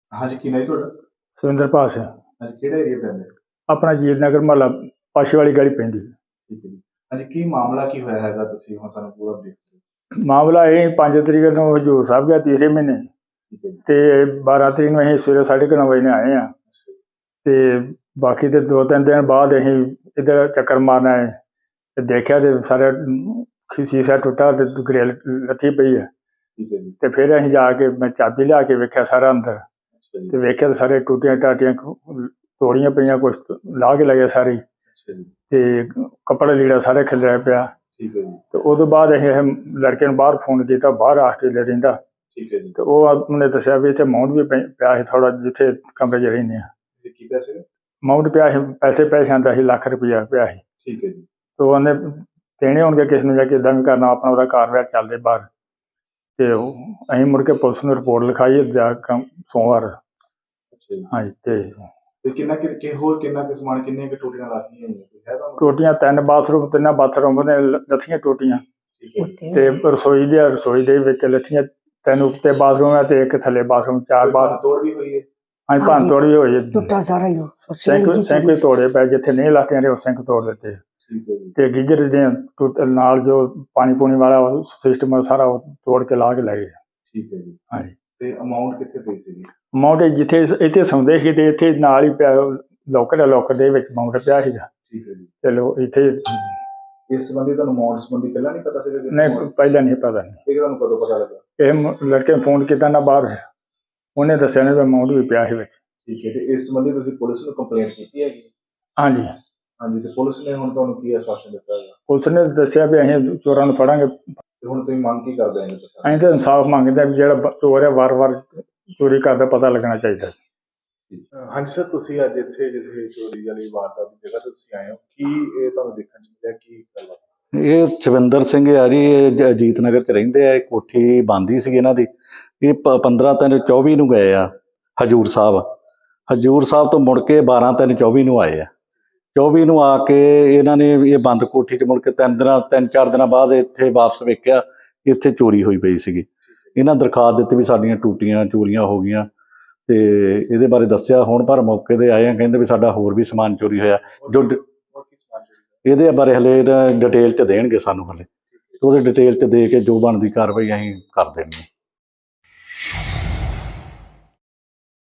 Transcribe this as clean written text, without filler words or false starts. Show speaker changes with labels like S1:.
S1: ਹਾਂਜੀ, ਕੀ ਨਾਂ ਜੀ ਤੁਹਾਡਾ?
S2: ਸੁਰਿੰਦਰਪਾਲ ਸਿੰਘ।
S1: ਹਾਂਜੀ, ਕਿਹੜਾ ਏਰੀਆ ਪੈਂਦਾ ਹੈ?
S2: ਆਪਣਾ ਜੀਤ ਨਗਰ ਮੁਹੱਲਾ ਪਾਸ਼ੇ ਵਾਲੀ ਗਲੀ ਪੈਂਦੀ।
S1: ਠੀਕ ਹੈ ਜੀ। ਹਾਂਜੀ, ਕੀ ਮਾਮਲਾ ਕੀ ਹੋਇਆ ਹੈਗਾ? ਤੁਸੀਂ ਹੁਣ ਸਾਨੂੰ ਪੂਰਾ ਬਰੀਫ ਦਿਓ।
S2: ਮਾਮਲਾ ਇਹ 5 ਤਰੀਕ ਨੂੰ ਹਜ਼ੂਰ ਸਾਹਿਬ ਗਿਆ ਤੀਸਰੇ ਮਹੀਨੇ,
S1: ਠੀਕ ਹੈ ਜੀ।
S2: ਤੇ 12 ਤਰੀਕ ਨੂੰ ਅਸੀਂ ਸਵੇਰੇ 9:30 ਵਜੇ ਆਏ ਹਾਂ।
S1: ਅੱਛਾ ਜੀ।
S2: ਤੇ ਬਾਕੀ ਤੇ 2-3 ਦਿਨ ਬਾਅਦ ਅਸੀਂ ਇੱਧਰ ਚੱਕਰ ਮਾਰਨ ਆਏ ਤੇ ਦੇਖਿਆ ਤੇ ਸਾਰਾ ਸ਼ੀਸ਼ਾ ਟੁੱਟਾ ਤੇ ਗ੍ਰਿਲ ਲੱਥੀ ਪਈ ਹੈ।
S1: ਠੀਕ ਹੈ ਜੀ।
S2: ਤੇ ਫਿਰ ਅਸੀਂ ਜਾ ਕੇ ਮੈਂ ਚਾਬੀ ਲਿਆ ਕੇ ਵੇਖਿਆ ਸਾਰਾ ਅੰਦਰ,
S1: ਅੱਛਾ ਜੀ।
S2: ਤੇ ਵੇਖਿਆ ਤੇ ਸਾਰੇ ਟੂਟੀਆਂ ਟਾਟੀਆਂ ਤੋੜੀਆਂ ਪਈਆਂ, ਕੁਛ ਲਾਹ ਕੇ ਲਗੇ ਸਾਰੀ,
S1: ਅੱਛਾ ਜੀ।
S2: ਤੇ ਕੱਪੜਾ ਲੀੜਾ ਸਾਰੇ ਖਿਲਰਿਆ ਪਿਆ।
S1: ਠੀਕ ਹੈ ਜੀ।
S2: ਤੇ ਉਦੋਂ ਬਾਅਦ ਅਸੀਂ ਇਹ ਲੜਕੇ ਨੂੰ ਬਾਹਰ ਫੋਨ ਕੀਤਾ, ਬਾਹਰ ਆਸਟ੍ਰੇਲੀਆ ਰਹਿੰਦਾ।
S1: ਠੀਕ ਹੈ ਜੀ।
S2: ਤੇ ਉਹ ਉਹਨੇ ਦੱਸਿਆ ਵੀ ਇੱਥੇ ਅਮਾਊਂਟ ਵੀ ਪਿਆ ਸੀ ਥੋੜ੍ਹਾ, ਜਿੱਥੇ ਕਮਰੇ 'ਚ ਰਹਿੰਦੇ ਹਾਂ।
S1: ਤੇ ਕੀ ਪੈਸੇ?
S2: ਅਮਾਊਂਟ ਪਿਆ ਸੀ, ਪੈਸੇ ਆਉਂਦਾ ਸੀ, ਲੱਖ ਰੁਪਈਆ ਪਿਆ ਸੀ।
S1: ਠੀਕ ਹੈ ਜੀ।
S2: ਤੇ ਉਹਨੇ ਦੇਣੇ ਹੋਣਗੇ ਕਿਸ ਨੂੰ, ਜਾਂ ਕਿੱਦਾਂ ਵੀ ਕਰਨਾ ਆਪਣਾ, ਉਹਦਾ ਕਾਰਵਾਈ ਚੱਲਦੇ ਬਾਹਰ। ਤੇ ਅਸੀਂ ਮੁੜ ਕੇ ਪੁਲਿਸ ਨੂੰ ਰਿਪੋਰਟ ਲਿਖਾਈ ਜਾ ਸੋਮਵਾਰ।
S1: ਅੱਛਾ ਜੀ।
S2: ਹਾਂਜੀ। ਤੇ
S1: ਹੋਰ ਕਿੰਨਾ ਕੁ ਸਮਾਨ, ਕਿੰਨੀਆਂ ਕੁ ਟੂਟੀਆਂ ਲਾਤੀਆਂ ਜੀ?
S2: ਟੂਟੀਆਂ 3 ਬਾਥਰੂਮ ਨੇ ਲੱਥੀਆਂ ਟੂਟੀਆਂ,
S1: ਠੀਕ ਹੈ ਜੀ।
S2: ਤੇ ਰਸੋਈ ਦੇ ਵਿੱਚ ਲੱਥੀਆਂ 3 ਉੱਤੇ ਬਾਥਰੂਮ ਹੈ ਤੇ 1 ਥੱਲੇ ਬਾਥਰੂਮ, 4 ਬਾਥ।
S1: ਤੋੜ ਵੀ ਹੋਈ ਹੈ?
S2: ਹਾਂਜੀ, ਭੰਨ ਤੋੜ ਵੀ ਹੋਈ ਹੈ।
S3: ਟੁੱਟਾ ਸਾਰਾ ਹੀ
S2: ਸਿੰਕ ਵੀ ਤੋੜੇ ਪਏ, ਜਿੱਥੇ ਨਹੀਂ ਲੱਥੀਆਂ ਨੇ ਉਹ ਸਿੰਕ ਤੋੜ ਦਿੱਤੇ।
S1: ਠੀਕ ਹੈ ਜੀ।
S2: ਤੇ ਗੀਜ਼ਰ ਦੇ ਨਾਲ ਜੋ ਪਾਣੀ ਪੂਣੀ ਵਾਲਾ ਸਿਸਟਮ ਸਾਰਾ ਉਹ ਤੋੜ ਕੇ ਲਾ ਕੇ ਲੈ ਗਏ।
S1: ਠੀਕ ਹੈ ਜੀ।
S2: ਹਾਂਜੀ।
S1: ਤੇ ਅਮਾਊਂਟ ਕਿੱਥੇ ਪਈ ਸੀ?
S2: ਅਮਾਊਂਟ ਜਿੱਥੇ ਇੱਥੇ ਸੌਂਦੇ ਸੀ ਤੇ ਇੱਥੇ ਨਾਲ ਹੀ ਪਿਆ, ਲੋਕਰ ਦੇ ਵਿੱਚ ਅਮਾਊਂਟ ਪਿਆ ਸੀਗਾ।
S1: ਠੀਕ ਹੈ ਜੀ।
S2: ਚਲੋ ਇੱਥੇ
S1: ਇਸ ਸੰਬੰਧੀ ਤੁਹਾਨੂੰ ਅਮਾਊਂਟ ਸੰਬੰਧੀ ਪਹਿਲਾਂ ਨਹੀਂ ਪਤਾ ਸੀਗਾ?
S2: ਨਹੀਂ, ਪਹਿਲਾਂ ਨਹੀਂ ਪਤਾ।
S1: ਇਹ ਤੁਹਾਨੂੰ ਕਦੋਂ ਪਤਾ ਲੱਗਾ?
S2: ਇਹ ਲੜਕੇ ਨੇ ਫੋਨ ਕੀਤਾ ਨਾ ਬਾਹਰ, ਉਹਨੇ ਦੱਸਿਆ ਨਾ ਵੀ ਅਮਾਊਂਟ ਵੀ ਪਿਆ ਸੀ ਵਿੱਚ।
S1: ਠੀਕ ਹੈ। ਤੇ ਇਸ ਸੰਬੰਧੀ ਤੁਸੀਂ ਪੁਲਿਸ ਨੂੰ ਕੰਪਲੇਂਟ ਕੀਤੀ ਹੈਗੀ?
S2: ਹਾਂਜੀ।
S1: ਹਾਂਜੀ। ਤੇ ਪੁਲਿਸ ਨੇ ਹੁਣ ਤੁਹਾਨੂੰ ਕੀ ਆਸ਼ਵਾਸਨ ਦਿੱਤਾ ਹੈਗਾ?
S2: ਪੁਲਿਸ ਨੇ ਦੱਸਿਆ ਵੀ ਅਸੀਂ ਚੋਰਾਂ ਨੂੰ ਫੜਾਂਗੇ।
S1: ਤੇ ਹੁਣ ਤੁਸੀਂ ਮੰਗ ਕੀ ਕਰਦੇ ਹੋ?
S2: ਅਸੀਂ ਤਾਂ ਇਨਸਾਫ ਮੰਗਦੇ ਹਾਂ ਵੀ ਜਿਹੜਾ ਚੋਰ ਹੈ ਵਾਰ-ਵਾਰ ਚੋਰੀ ਕਰਦਾ ਪਤਾ ਲੱਗਣਾ ਚਾਹੀਦਾ।
S1: ਹਾਂਜੀ ਸਰ, ਤੁਸੀਂ ਅੱਜ ਇੱਥੇ ਜਿੱਥੇ ਚੋਰੀ ਵਾਲੀ ਵਾਰਦਾਤ ਦੀ ਜਗ੍ਹਾ ਤੇ ਤੁਸੀਂ ਆਏ ਹੋ, ਕੀ ਇਹ ਤੁਹਾਨੂੰ ਦੇਖਣ 'ਚ ਮਿਲਿਆ, ਕੀ ਗੱਲ ਹੈ?
S4: ਇਹ ਚਵਿੰਦਰ ਸਿੰਘ ਆ ਜੀ, ਇਹ ਅਜੀਤ ਨਗਰ 'ਚ ਰਹਿੰਦੇ ਆ। ਇਹ ਕੋਠੀ ਬਣਦੀ ਸੀ ਇਹਨਾਂ ਦੀ। ਇਹ 15/3/24 ਨੂੰ ਗਏ ਆ ਹਜ਼ੂਰ ਸਾਹਿਬ। ਹਜ਼ੂਰ ਸਾਹਿਬ ਤੋਂ ਮੁੜ ਕੇ 12/3/24 ਨੂੰ ਆਏ ਆ। 24 ਨੂੰ ਆ ਕੇ ਇਹਨਾਂ ਨੇ ਇਹ ਬੰਦ ਕੋਠੀ 'ਚ ਮੁੜ ਕੇ 3-4 ਦਿਨਾਂ ਬਾਅਦ ਇੱਥੇ ਵਾਪਸ ਵੇਖਿਆ, ਇੱਥੇ ਚੋਰੀ ਹੋਈ ਪਈ ਸੀਗੀ। ਇਹਨਾਂ ਦਰਖਾਸਤ ਦਿੱਤੀ ਵੀ ਸਾਡੀਆਂ ਟੂਟੀਆਂ ਚੋਰੀਆਂ ਹੋ ਗਈਆਂ, ਤੇ ਇਹਦੇ ਬਾਰੇ ਦੱਸਿਆ। ਹੁਣ ਪਰ ਮੌਕੇ 'ਤੇ ਆਏ ਆ, ਕਹਿੰਦੇ ਵੀ ਸਾਡਾ ਹੋਰ ਵੀ ਸਮਾਨ ਚੋਰੀ ਹੋਇਆ। ਜੋ ਇਹਦੇ ਬਾਰੇ ਹਲੇ ਡਿਟੇਲ 'ਚ ਦੇਣਗੇ ਸਾਨੂੰ, ਹਲੇ ਉਹਦੇ ਡਿਟੇਲ 'ਚ ਦੇ ਕੇ ਜੋ ਬਣਦੀ ਕਾਰਵਾਈ ਅਸੀਂ ਕਰ ਦੇਣੀ।